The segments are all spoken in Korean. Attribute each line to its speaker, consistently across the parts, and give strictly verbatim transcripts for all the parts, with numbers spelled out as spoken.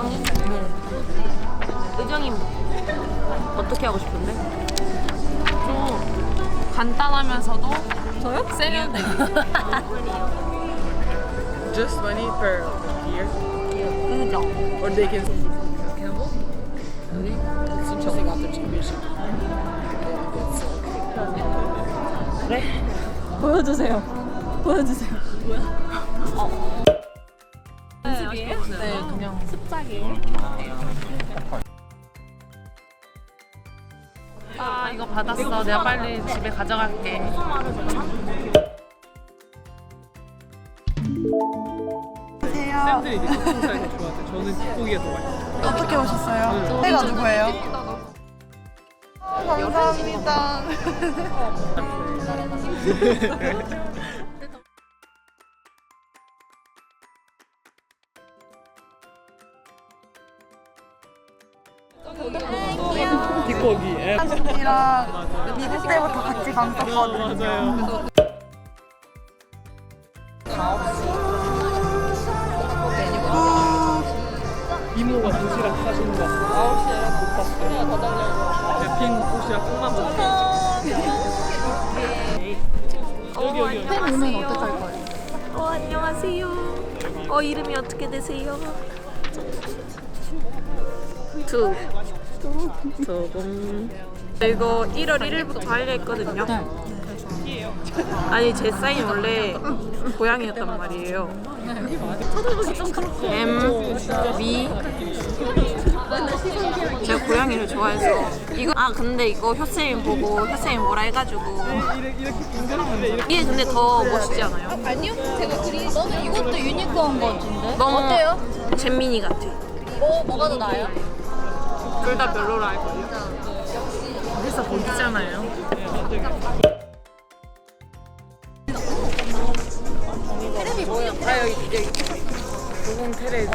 Speaker 1: 네. 의정이 어떻게 하고 싶은데?
Speaker 2: 좀 간단하면서도
Speaker 1: 저요?
Speaker 2: 세련돼.
Speaker 3: Just money per year?
Speaker 1: 의정.
Speaker 3: Or they can Campbell? Really? It seems like they got their championship.
Speaker 1: 그래?
Speaker 4: 보여주세요. 보여주세요.
Speaker 1: 어.
Speaker 2: 네, 네, 그냥
Speaker 4: 습작이에요.
Speaker 2: 아 이거 받았어. 내가 빨리 집에 가져갈게.
Speaker 3: 쌤들이 이제 닭가슴살이 더 좋아하는데 저는 닭고기가 더 맛있어요.
Speaker 4: 어떻게 오셨어요? 해가 누구예요? 감사합니다.
Speaker 3: 닭고기. 예.
Speaker 4: 이랑 미국 때부터 같이 방송했거든요.
Speaker 3: 맞아요. 이모가 도시락 사주는 거 아홉 시에 못 봤어요. 더 달려고. 네, 빈 도시락 콩만 먹었어요. 여기 여기 여기.
Speaker 4: 팬 오면 어떡할 거예요?
Speaker 1: 어, 안녕하세요. 어, 이름이 어떻게 되세요? 투. 조금. 이거 일월 일일부터 하려 했거든요. 아니, 제 사인 원래 고양이였단 말이에요. M, V. 제가 고양이를 좋아해서. 이거, 아, 근데 이거 효쌤이 보고 효쌤이 뭐라 해가지고. 이게 근데 더 멋있지 않아요?
Speaker 4: 아니요. 제가 그리 너는 이것도 유니크한 거 같은데?
Speaker 1: 너무
Speaker 4: 어때요?
Speaker 1: 잼민이 같아.
Speaker 4: 뭐, 뭐가 더 나아요?
Speaker 2: 둘 다 별로라 할걸요? 그래서 거기잖아요.
Speaker 4: 테레비 뭐예요?
Speaker 2: 아 여기 여기 고공 테레비.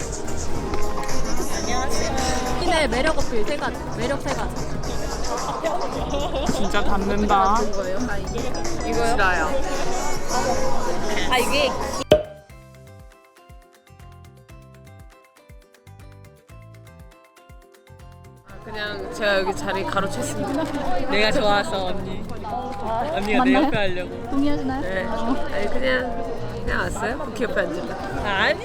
Speaker 4: 신의 매력 어필 세 가지. 매력 세 가지.
Speaker 2: 진짜 닮는다.
Speaker 1: 이거요?
Speaker 2: 싫어요.
Speaker 1: 아, 이게
Speaker 2: 그냥 제가 여기 자리 가로챘습니다. 내가 좋아서 언니. 언니가 내 옆에 하려고.
Speaker 4: 동의하시나요?
Speaker 1: 네. 아니, 그냥 그냥 왔어요? 쿠키 옆에 앉을래?
Speaker 2: 아니.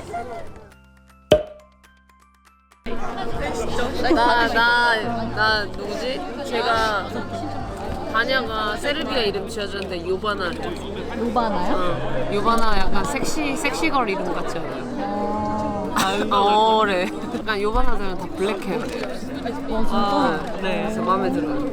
Speaker 1: 나, 나, 나 누구지? 제가 다냐가 세르비아 이름 지어줬는데 요바나.
Speaker 4: 로바나요?
Speaker 1: 어, 요바나 약간 섹시 섹시걸 이름 같지 않아요? 어래. 약간 요바나들은 다 블랙해요. 아, 네. 그래서 마음에 들어요.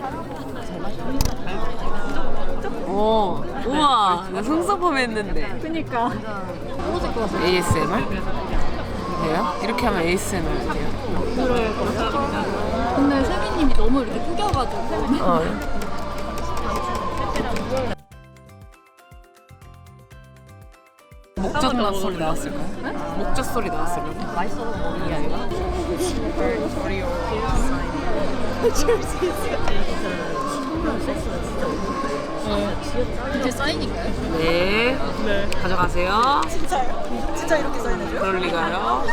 Speaker 1: 오, 우와, 나 속서범 했는데.
Speaker 4: 그니까.
Speaker 1: 에이에스엠알? 돼요? 이렇게 하면 에이에스엠알 돼요?
Speaker 4: 근데 세미님이 너무 이렇게 구겨가지고.
Speaker 1: 어. 목젖 소리 나왔을까요? 목젖 소리 나왔을까요? 맛있어서 이 아이가?
Speaker 4: 이제 사인인가요?
Speaker 1: 네.
Speaker 3: 네.
Speaker 1: 가져가세요.
Speaker 4: 진짜요? 진짜 이렇게 사인해줘요?
Speaker 1: 그럴 리가요.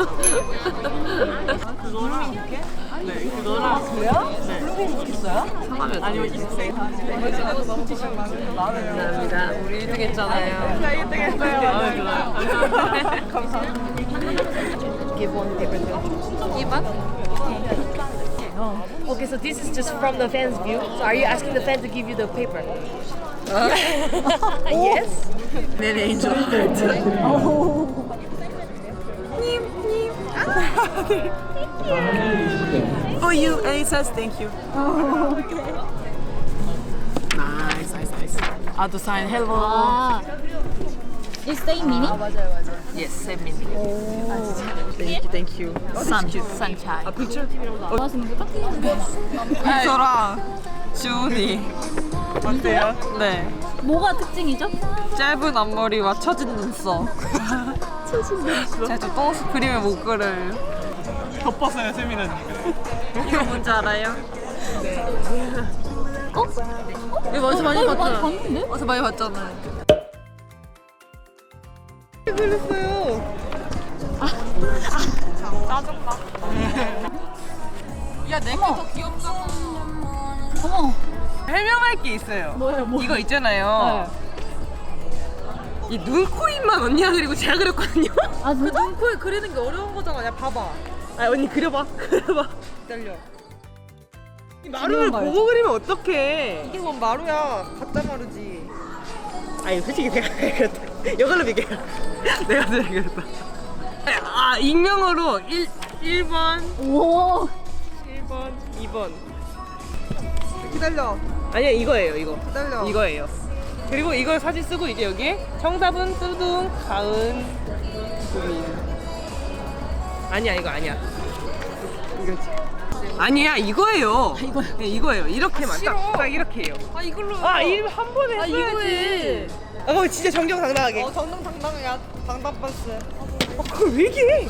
Speaker 3: 네, 그거랑
Speaker 4: 그래요? 네. 블루베리 있어요?
Speaker 1: 성함이 아니면 이세요. 감사합니다. 우리 일 등 했잖아요.
Speaker 3: 일 등 했어요. 마음에 들어요.
Speaker 4: 감사합니다.
Speaker 1: Give one paper to
Speaker 4: 이 번?
Speaker 5: Okay, so this is just from the fan's view. So are you asking the fan to give you the paper? Yes.
Speaker 1: 내 angel heart. For you, and it says thank you. Nice, nice, nice. Ah, to sign hello.
Speaker 4: 아, 이 세인 미니?
Speaker 1: Yes, send me. Thank you, thank you. Sun, sunshine. A picture?
Speaker 4: 뭐 하시는 거죠?
Speaker 6: 이소랑 주은이 어때요? 네.
Speaker 4: 뭐가 특징이죠?
Speaker 6: 짧은 앞머리와 처진 눈썹. 제가 저 똥수 그림의 목걸을
Speaker 3: 덮었어요, 세미나님.
Speaker 6: 이거 뭔지 알아요?
Speaker 4: 어?
Speaker 6: 이거 어디서 많이
Speaker 4: 어, 이거 많이
Speaker 6: 봤잖아.
Speaker 4: 봤는데?
Speaker 6: 어디서 많이 봤잖아요.
Speaker 3: 그랬어요.
Speaker 6: 짜증나. 야, 내게 더 귀엽잖아.
Speaker 4: 어머.
Speaker 6: 설명할 게 있어요.
Speaker 4: 뭐예요, 뭐?
Speaker 6: 이거 있잖아요. 이 눈, 코, 입만 언니가 그리고 제가 그렸거든요.
Speaker 4: 아
Speaker 6: 그
Speaker 4: 진짜?
Speaker 6: 눈, 코에 그리는 게 어려운 거잖아. 야, 봐봐. 아, 언니 그려봐. 그려봐. 기다려. 이 마루를
Speaker 4: 중요한
Speaker 6: 보고 그리면 어떡해. 이게 뭔 마루야. 가짜 마루지. 아니, 솔직히 내가 그렸다. 이걸로 비교해. 내가 내가 그렸다. 아, 익명으로 일, 일 번,
Speaker 4: 오.
Speaker 6: 일 번, 이 번. 기다려. 아니야, 이거예요, 이거. 기다려. 이거예요. 그리고 이걸 사진 쓰고 이제 여기에 정답은 뚜둥, 가은, 구민. 아니야, 이거 아니야. 이거지. 아니야, 이거예요. 이거 네, 이거예요. 이렇게만 딱, 딱 이렇게 해요.
Speaker 2: 아 이걸로.
Speaker 6: 아, 이 한 번에
Speaker 2: 아
Speaker 6: 써야지.
Speaker 2: 이거에.
Speaker 6: 아, 그럼 진짜 정정당당하게.
Speaker 2: 어 정정당당해야 당당반스.
Speaker 6: 어, 그걸 왜 얘기해?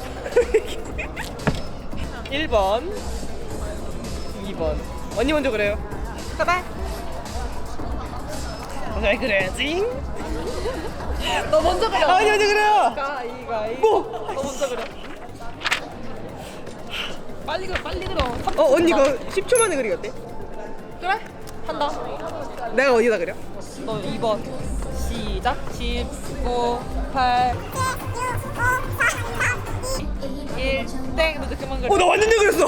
Speaker 6: 일 번, 이 번. 언니 먼저 그래요. 가봐. 잘 그래야지.
Speaker 2: 너 먼저 그려.
Speaker 6: 언니 먼저 그래요.
Speaker 2: 가이가이.
Speaker 6: 뭐?
Speaker 2: 너 먼저 그려. 빨리 그려 빨리 그려.
Speaker 6: 어, 언니 이거 십 초 만에 그리기 어때?
Speaker 2: 그래? 한다.
Speaker 6: 내가 어디다 그려?
Speaker 2: 너 이 번. 시작. 십, 구, 팔, 일, 땡. 너 이제 그만 그려.
Speaker 6: 어, 나 완전 잘 그렸어.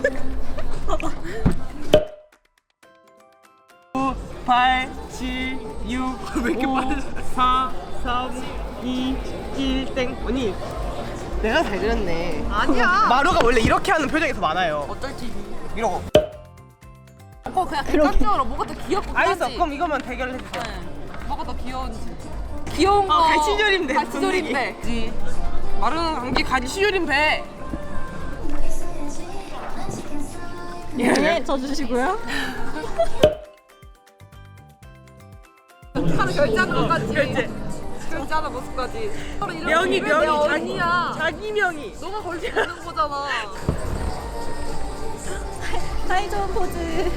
Speaker 6: 구, 팔, 칠, 육, 왜 이렇게 빨라? 사, 삼, 이, 일, 땡. 언니, 내가 잘 그렸네.
Speaker 2: 아니야.
Speaker 6: 마루가 원래 이렇게 하는 표정이 더 많아요.
Speaker 2: 어쩔지.
Speaker 6: 이러고.
Speaker 2: 어 그냥 객관적으로 뭐가 더 귀엽고
Speaker 6: 알겠어.
Speaker 2: 하지.
Speaker 6: 그럼 이것만 대결을 해주세요.
Speaker 2: 뭐가 더 귀여운지. 귀여운 거.
Speaker 6: 아, 갈치조림배.
Speaker 2: 갈치조림배.
Speaker 6: 지 마루는 감기 갈치조림배.
Speaker 4: 네, 저 주시고요.
Speaker 2: 하루 결제하는 것까지. 결제. 결제하는 모습까지.
Speaker 6: 명의, 명의. 자기,
Speaker 2: 아니야.
Speaker 6: 자기 명의.
Speaker 2: 너가 걸지 않는 거잖아.
Speaker 4: 사이좋은 포즈.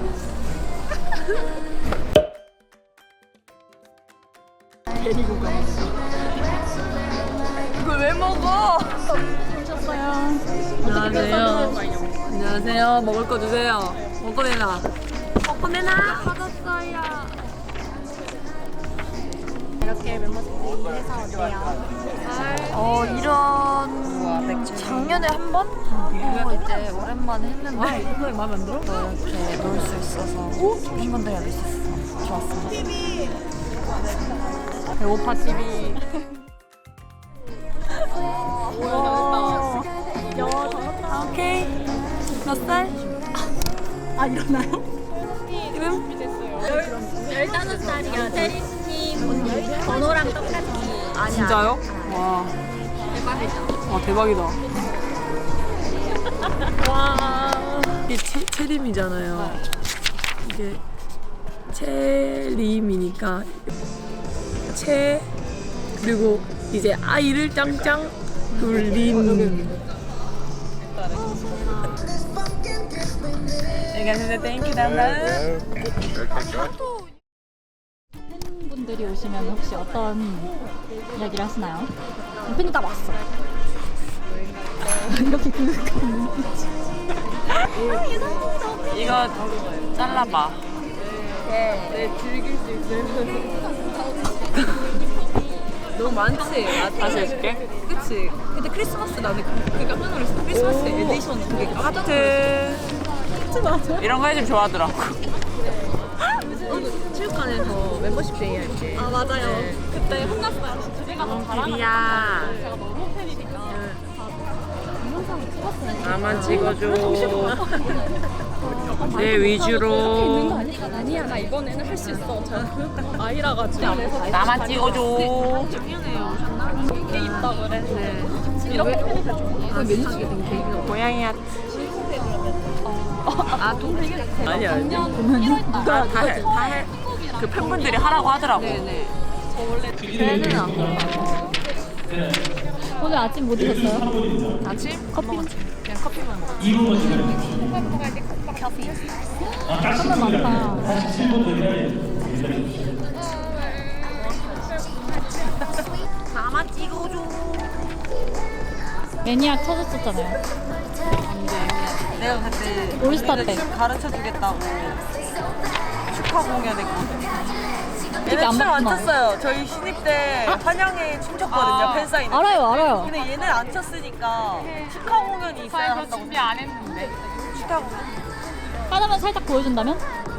Speaker 4: 데리고 가.
Speaker 2: 이걸 왜 먹어?
Speaker 4: 오셨어요.
Speaker 1: 안녕하세요. 안녕하세요. 먹을 거 주세요. 먹고 내놔. 먹고 내놔.
Speaker 4: 받았어요. 이렇게 멤버들끼리 해서 어때요? 어 이런 작년에 한 번? 그리고 이제 오랜만에 했는데 이거 마음에 안 들어? 이렇게 놀 수 있어서 팬분들이랑 놀 수 있어서 좋았습니다.
Speaker 1: 배고파 티비.
Speaker 4: 와, 야 잘했다. 오케이. 몇 살? 아 일어나요? 이름?
Speaker 7: 열다섯 살이요. 테리스님 번호랑 똑같이.
Speaker 1: 진짜요? 와. 대박이다. 와 대박이다.
Speaker 7: 와.
Speaker 1: 이게 채, 채림이잖아요. 이게 채림이니까 채 그리고 이제 아이를 짱짱 돌림.
Speaker 6: 내가 진짜 땡큐 담당.
Speaker 4: 팬분들이 오시면 혹시 어떤 이야기를 하시나요? 팬이 다 왔어. 이렇게 그윽한 눈빛.
Speaker 6: 이거 잘라봐.
Speaker 2: 네, 즐길 수 있어요. 너무 많지?
Speaker 1: 다시 해줄게.
Speaker 2: 그치? 근데 크리스마스 나는 그- 그게 깜짝 놀랐어. 크리스마스 에디션 그게 깜짝 놀랐어.
Speaker 6: 하트. 이런 거 해주면 좋아하더라고.
Speaker 2: 체육관에서 멤버십 데이 할 때.
Speaker 7: 아 맞아요. 그때 혼났어요. 제가 너무 잘하는
Speaker 1: 비야.
Speaker 7: 제가 너무 팬이니까.
Speaker 1: 나만 찍어줘. 내 위주로.
Speaker 7: 아니야 나 이번에는 할 수 있어. 저 아이라 가지고.
Speaker 6: 나만 찍어줘.
Speaker 7: 게 있다 그래. 이렇게 팬이 되죠.
Speaker 6: 고양이 하트.
Speaker 1: 아 동생.
Speaker 6: 아니야.
Speaker 1: 누가 다 해. 다 해.
Speaker 6: 그 팬분들이 하라고 하더라고.
Speaker 1: 네네.
Speaker 4: 배는 안 고파. 오늘 아침 뭐 드셨어요?
Speaker 1: 아침?
Speaker 4: 커피?
Speaker 1: 그냥 커피만 먹어.
Speaker 4: 선물 많다.
Speaker 1: 나만 찍어줘.
Speaker 8: 매니악 터졌었잖아요.
Speaker 4: 내가 그때
Speaker 8: 올스타
Speaker 4: 우리를
Speaker 8: 때.
Speaker 4: 춤 가르쳐 주겠다고 축하 공연했거든.
Speaker 8: 안
Speaker 4: 얘네 춤 안
Speaker 8: 봤구나.
Speaker 4: 췄어요. 저희 신입 때 환영회 춤췄거든요. 팬사인회.
Speaker 8: 알아요, 알아요.
Speaker 4: 근데 얘네 안 췄으니까 축하 공연이 있어야 한다고. 준비 안 했는데. 축하 공연.
Speaker 8: 하나만 살짝 보여준다면?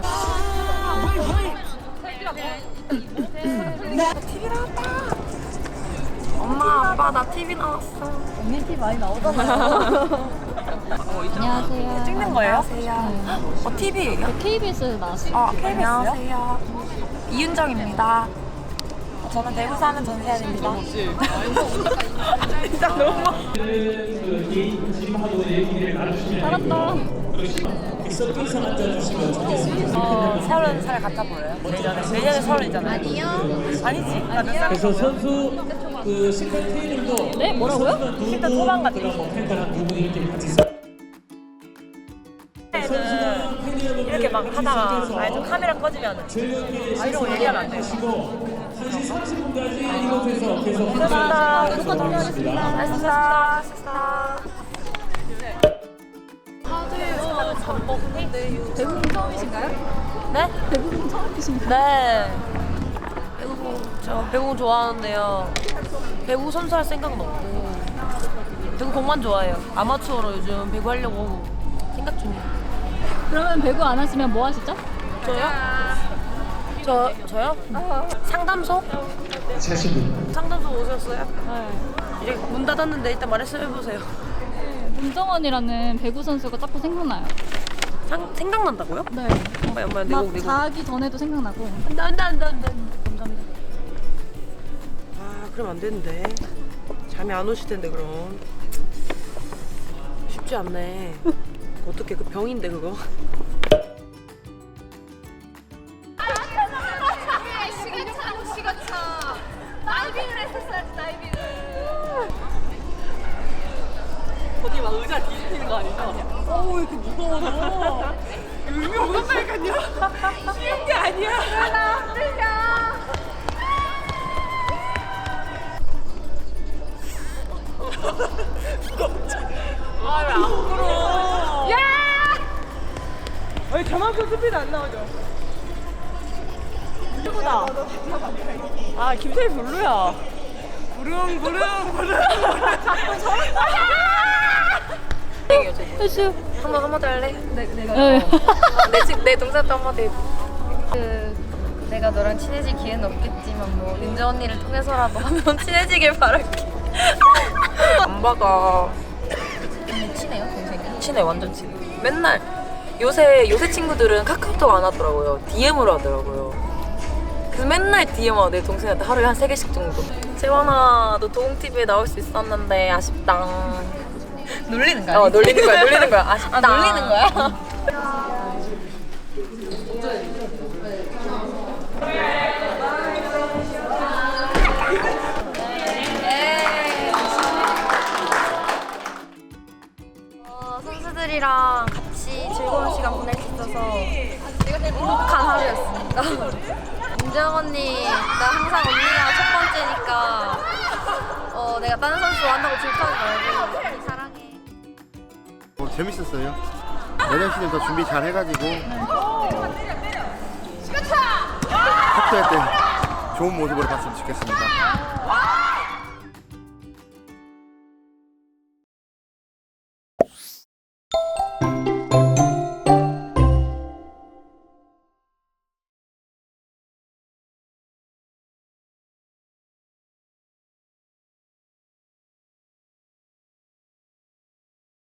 Speaker 4: 티비 나왔다. 엄마, 아빠 나 티비 나왔어.
Speaker 8: 언니 티 많이 나오잖아요. 안녕하세요.
Speaker 4: 찍는 거예요? 안녕하세요. 어, 티비예요?
Speaker 8: 케이비에스에서 나왔어요.
Speaker 4: 아, 안녕하세요. 이윤정입니다. 저는 대구 사는 전세현입니다. 진짜 너무
Speaker 8: 잘한다.
Speaker 4: 어, 서른 살 같아 보여요? 내년에 내년에 서른이잖아요. 아니요. 아니지? 나몇 살?
Speaker 3: 그래서 선수 그 식단 트레이닝도
Speaker 8: 네? 뭐라고요?
Speaker 4: 십대 초반 같은
Speaker 3: 그런 뭐 팬들한 두 분이 이렇게 같이 써-
Speaker 4: 이렇게 막 하다가 아니 좀 카메라 꺼지면 아 이런 거 얘기하면 안 돼요.
Speaker 3: 한 시 삼십 분까지 이곳에서 계속
Speaker 4: 감사합니다.
Speaker 3: 함께 하겠습니다.
Speaker 4: 식사 식사.
Speaker 8: 대부분 처음이신가요?
Speaker 4: 네?
Speaker 8: 대부분 처음이신가요?
Speaker 4: 네. 배구 저 배구 좋아하는데요. 배구 선수 할 생각은 없고 배구 공만 좋아해요. 아마추어로 요즘 배구 하려고 생각 중이에요.
Speaker 8: 그러면 배구 안 하시면 뭐 하시죠?
Speaker 4: 저요? 저 저요? 상담소? 상담소 오셨어요?
Speaker 8: 네.
Speaker 4: 이제 문 닫았는데 일단 말씀해 보세요.
Speaker 8: 문정원이라는 배구 선수가 자꾸 생각나요.
Speaker 4: 상 생각난다고요?
Speaker 8: 네.
Speaker 4: 엄마 엄마
Speaker 8: 막
Speaker 4: 내곡 내곡.
Speaker 8: 자기 전에도 생각나고.
Speaker 4: 안돼 안돼 안돼 안돼. 감사합니다. 아 그럼 안 되는데 잠이 안 오실 텐데 그럼 쉽지 않네. 어떻게 그 병인데 그거?
Speaker 7: 시간차 시간차 다이빙을 했었어야지 다이빙을.
Speaker 4: 어디 막 의자 뒤집히는 거 아니죠? 어우 이렇게 무거워 너. 의미 없었다니까요. 쉬운 게 아니야.
Speaker 7: 나 힘들냐.
Speaker 4: 아왜 안 불어?
Speaker 7: 야!
Speaker 4: 아니 저만큼 스피드 안 나오죠? 최고다. 아 김태희 별로야. 부릉 부릉 부릉.
Speaker 8: 혜수.
Speaker 4: 한번 한마디 할래? 내, 내가
Speaker 8: 네.
Speaker 4: 내, 친- 내 동생도 한마디 해줘. 그 내가 너랑 친해질 기회는 없겠지만 뭐 윤재 언니를 통해서라도 하면 친해지길 바랄게. 안 받아. 친해요 동생이? 친해 완전 친해. 맨날 요새 요새 친구들은 카카오톡 안 하더라고요. 디엠으로 하더라고요. 그래서 맨날 디엠 내 동생한테 하루에 한 세 개씩 정도. 재환아 너 도움티비에 나올 수 있었는데 아쉽다. 놀리는 거야? 어 놀리는 거야 놀리는 거야. 아쉽다. 아 놀리는 거야? 어, 선수들이랑 같이 즐거운 시간 보낼 수 있어서 행복한 하루였습니다. 윤정 언니, 나 항상 언니가 첫 번째니까 어, 내가 다른 선수 한다고 질투하지 말고 언니 사랑해.
Speaker 9: 어, 재밌었어요. 여정 씨는 더 준비 잘 해가지고 학교할 때 좋은 모습으로 봤으면 좋겠습니다.